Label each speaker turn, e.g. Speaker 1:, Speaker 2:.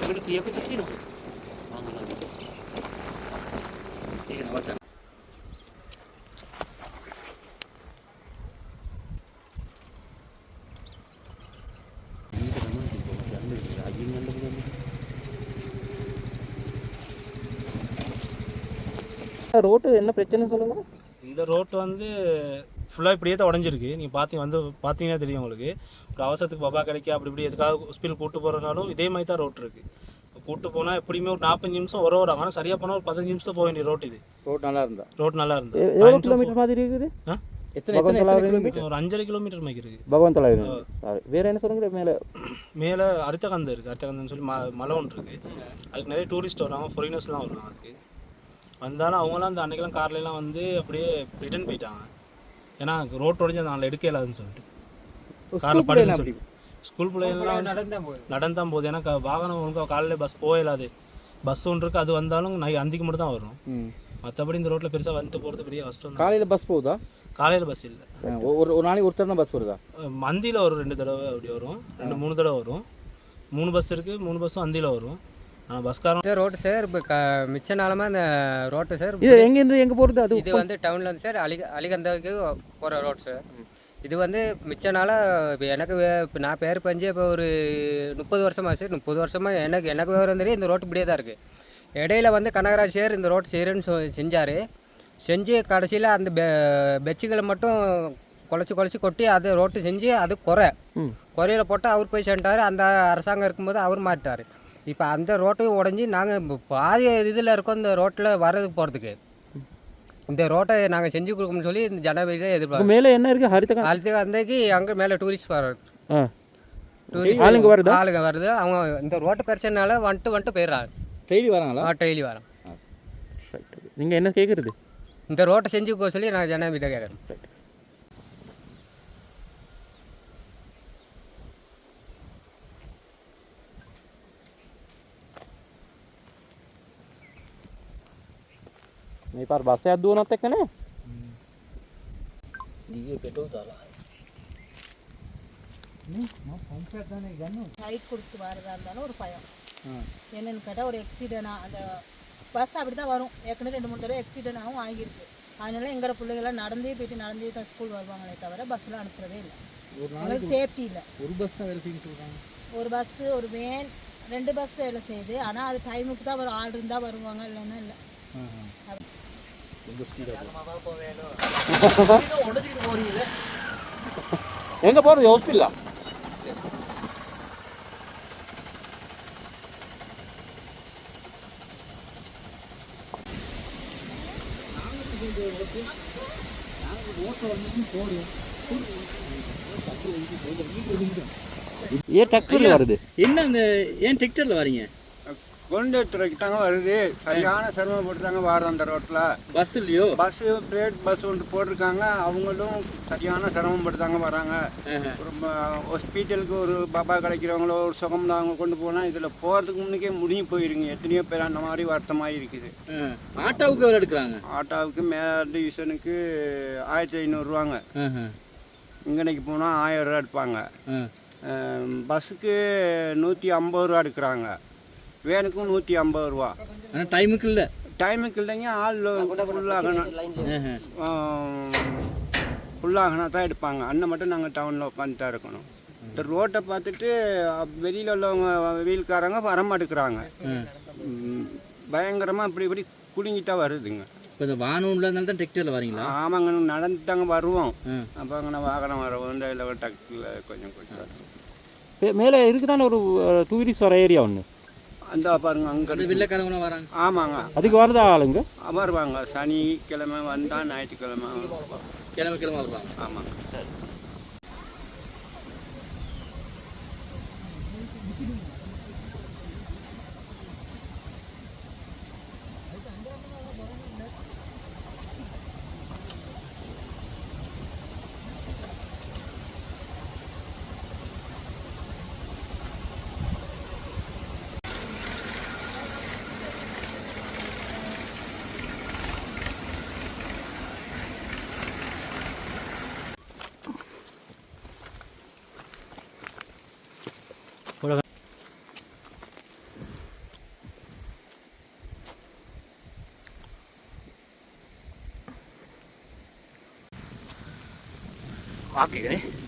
Speaker 1: අපිට ක්‍රියාවක් තියෙනවා. ඒක නවත්තන්න.
Speaker 2: ரோட்டு என்ன பிரச்சனை சொல்லுங்க?
Speaker 3: இந்த ரோட்டு வந்து ஃபுல்லாக இப்படியே தான் உடஞ்சிருக்கு. நீங்கள் பார்த்தீங்கன்னா தெரியும் உங்களுக்கு. ஒரு அவசரத்துக்கு பபா கிடைக்க அப்படி இப்படி எதுக்காக ஹாஸ்பிட்டல் கூட்டு போகிறனாலும் இதே மாதிரி தான் ரோட் இருக்குது. கூட்டு போனால் எப்படியுமே ஒரு 45 நிமிஷம் வராங்க. ஆனால் சரியாக போனால் ஒரு 15 நிமிஷத்தில் போக வேண்டிய ரோட் இது.
Speaker 2: ரோட் நல்லா இருந்தா
Speaker 3: எவ்வளோ
Speaker 2: கிலோமீட்டர் மாதிரி இருக்குது?
Speaker 3: எத்தனை கிலோமீட்டர்? ஒரு 5.5 கிலோமீட்டர் மாதிரி இருக்குது.
Speaker 2: பகவான் தொலை வேற என்ன சொல்லுங்க?
Speaker 3: மேலே அரித்தகந்தம் இருக்குது. அரித்தகந்தம்னு சொல்லி மலை ஒன்று இருக்குது. அதுக்கு நிறைய டூரிஸ்ட் வருவாங்க, ஃபாரினர்ஸ்லாம் வருவாங்க. அதுக்கு வந்தாலும் அவங்களாம் அந்த அன்றைக்கெல்லாம் கார்லாம் வந்து அப்படியே ரிட்டர்ன் போயிட்டாங்க. ஏன்னா ரோட் உடஞ்சி அந்த நாளில் எடுக்க இல்லாதுன்னு சொல்லிட்டு காரில் படுன்னு சொல்லி ஸ்கூல் பிள்ளைங்கள்லாம் நடந்தான் போகுது. ஏன்னா வாகனம் ஒழுங்காக காலையில் பஸ் போயிடாது. பஸ் ஒன்று இருக்குது, அது வந்தாலும் அந்திக்கு மட்டும் தான் வரும். மற்றபடி இந்த ரோட்டில் பெருசாக வந்துட்டு போகிறது பெரிய கஷ்டம்.
Speaker 2: காலையில் பஸ் போகுதா?
Speaker 3: காலையில் பஸ் இல்லை.
Speaker 2: ஒரு நாளைக்கு ஒருத்தர் தான் பஸ் வருதா?
Speaker 3: அந்தியில் ஒரு 2 தடவை அப்படி வரும், 2-3 தடவை வரும். 3 பஸ் இருக்குது, 3 பஸ்ஸும் அந்தியில் வரும். பஸ்காரன்
Speaker 4: ரோட்டு சார் இப்போ மிச்ச நாளமாக இந்த ரோட்டு சார்
Speaker 2: இது எங்கேருந்து எங்கே போகிறது? அது
Speaker 4: இது வந்து டவுனில் வந்து சார் அலிகந்தாவுக்கு போகிற ரோட் சார். இது வந்து மிச்ச நாளாக இப்போ எனக்கு இப்போ நான் பேர் பஞ்சு இப்போ ஒரு 30 வருஷமாக சார். 30 வருஷமாக எனக்கு விவரம் தெரியும் இந்த ரோட்டு இப்படியே தான் இருக்குது. இடையில வந்து கனகராஜ் சார் இந்த ரோட்டு செய்கிறேன்னு செஞ்சார். செஞ்சு கடைசியில் அந்த பெச்சுகளை மட்டும் குழச்சி கொட்டி அது ரோட்டு செஞ்சு அது குறையில் போட்டு அவர் போய் சென்றார். அந்த அரசாங்கம் இருக்கும்போது அவர் மாட்டார். இப்போ அந்த ரோட்டையும் உடஞ்சி நாங்கள் பாதி இதில் இருக்கோம் இந்த ரோட்டில் வர்றதுக்கு போகிறதுக்கு. இந்த ரோட்டை நாங்கள் செஞ்சு கொடுக்கணும்னு சொல்லி இந்த ஜனவரியில் எதிர்பார்க்கோம்.
Speaker 2: மேலே என்ன இருக்குது?
Speaker 4: அந்தக்கு அங்கே மேலே டூரிஸ்ட் வர்றது, ஆளுங்க வருது. அவங்க இந்த ரோட்டு பிரச்சனைனால வந்துட்டு போயிடுறாங்க.
Speaker 2: டெய்லி வராங்களா?
Speaker 4: டெய்லி வரோம்.
Speaker 2: நீங்கள் என்ன கேட்குறது?
Speaker 4: இந்த ரோட்டை செஞ்சு போக சொல்லி நான் ஜனவரியில் கேட்குறேன்.
Speaker 2: මේ පාර බස් එකක් දුවනත් එක්ක නේ
Speaker 1: දිගේ පෙට්‍රෝල් දාලා
Speaker 5: ரைட் கொடுத்து வரதா இருந்தாலும் ஒரு பயம். என்னன்னு கேட்டால் ஒரு எக்ஸிடென்ட், அந்த பஸ் அப்படி தான் வரும். ஏற்கனவே 2-3 தடவை எக்ஸிடென்ட் ஆகும் ஆகியிருக்கு. அதனால எங்களோட பிள்ளைகள்லாம் நடந்தே தான் ஸ்கூல் வருவாங்களே தவிர பஸ்ஸில் அனுப்புறதே இல்லை. எங்களுக்கு சேஃப்டி இல்லை.
Speaker 2: ஒரு பஸ் தான் வேலை செய்யுன்னு சொல்கிறாங்க.
Speaker 5: ஒரு பஸ்ஸு, ஒரு வேன், 2 பஸ் வேலை செய்யுது. ஆனால் அது டைமுக்கு தான் வரும். ஆள் இருந்தால் வருவாங்க, இல்லைன்னா இல்லை.
Speaker 2: எங்கே போகிறது? ஹாஸ்பிட்டலா? ஏன் டிராக்டர்ல வருது?
Speaker 1: என்ன அந்த ஏன் டிராக்டர்ல வரீங்க?
Speaker 6: கொண்டு துறைக்கு தாங்க வருது. சரியான சிரமப்பட்டு தாங்க வரோம் அந்த ரோட்டில்.
Speaker 1: பஸ் இல்லையோ?
Speaker 6: பஸ்ஸு பிரைவேட் பஸ் ஒன்று போட்டிருக்காங்க. அவங்களும் சரியான சிரமப்பட்டு தாங்க வராங்க. ஒரு ஹாஸ்பிட்டலுக்கு ஒரு பாப்பா கிடைக்கிறவங்களோ ஒரு சுகம் அவங்க கொண்டு போனால் இதில் போகிறதுக்கு முன்னுக்கே முடிஞ்சு போயிருங்க. எத்தனையோ பேர் அந்த மாதிரி வருத்தமாக இருக்குது.
Speaker 1: ஆட்டோவுக்கு எவ்வளோ எடுக்கிறாங்க?
Speaker 6: ஆட்டோவுக்கு மேல் டிவிஷனுக்கு 1500 ரூபாங்க. இங்கனைக்கு போனால் 1000 ரூபா எடுப்பாங்க. பஸ்ஸுக்கு 150 ரூபா எடுக்கிறாங்க. வேனுக்கும் 150 ரூபா.
Speaker 1: ஆனால் டைமுக்கு இல்லை.
Speaker 6: டைமுக்கு இல்லைங்க. ஆள் ஃபுல்லாகனா தான் எடுப்பாங்க. அண்ணன் மட்டும் நாங்கள் டவுனில் உட்காந்து தான் இருக்கணும். இந்த ரோட்டை பார்த்துட்டு வெளியில் உள்ளவங்க வெயில்காரங்க வரமாட்டேங்கிறாங்க. பயங்கரமாக இப்படி குலுங்கிட்டா வருதுங்க.
Speaker 1: இப்போ இந்த வாகனம் உள்ளதுனால தான் டிராக்டரில் வரீங்களா?
Speaker 6: ஆமாங்க, நடந்து தாங்க வருவோம். அப்போ அங்கே வாகனம் வரவும் இந்த இதில் டிராக்டரில் கொஞ்சம்
Speaker 2: மேலே இருக்குதானே ஒரு டூரிஸ்ட் வர ஏரியா ஒன்று.
Speaker 6: அந்த பாருங்க அங்கே
Speaker 1: வெள்ளைக்காரங்க வராங்க.
Speaker 6: ஆமாங்க,
Speaker 2: அதுக்கு வருதா ஆளுங்க?
Speaker 6: வருவாங்க. சனிக்கிழமை வந்தால் ஞாயிற்றுக்கிழமை
Speaker 1: கிழமை வருவாங்க.
Speaker 6: ஆமாங்க. சரி.
Speaker 3: ஓகே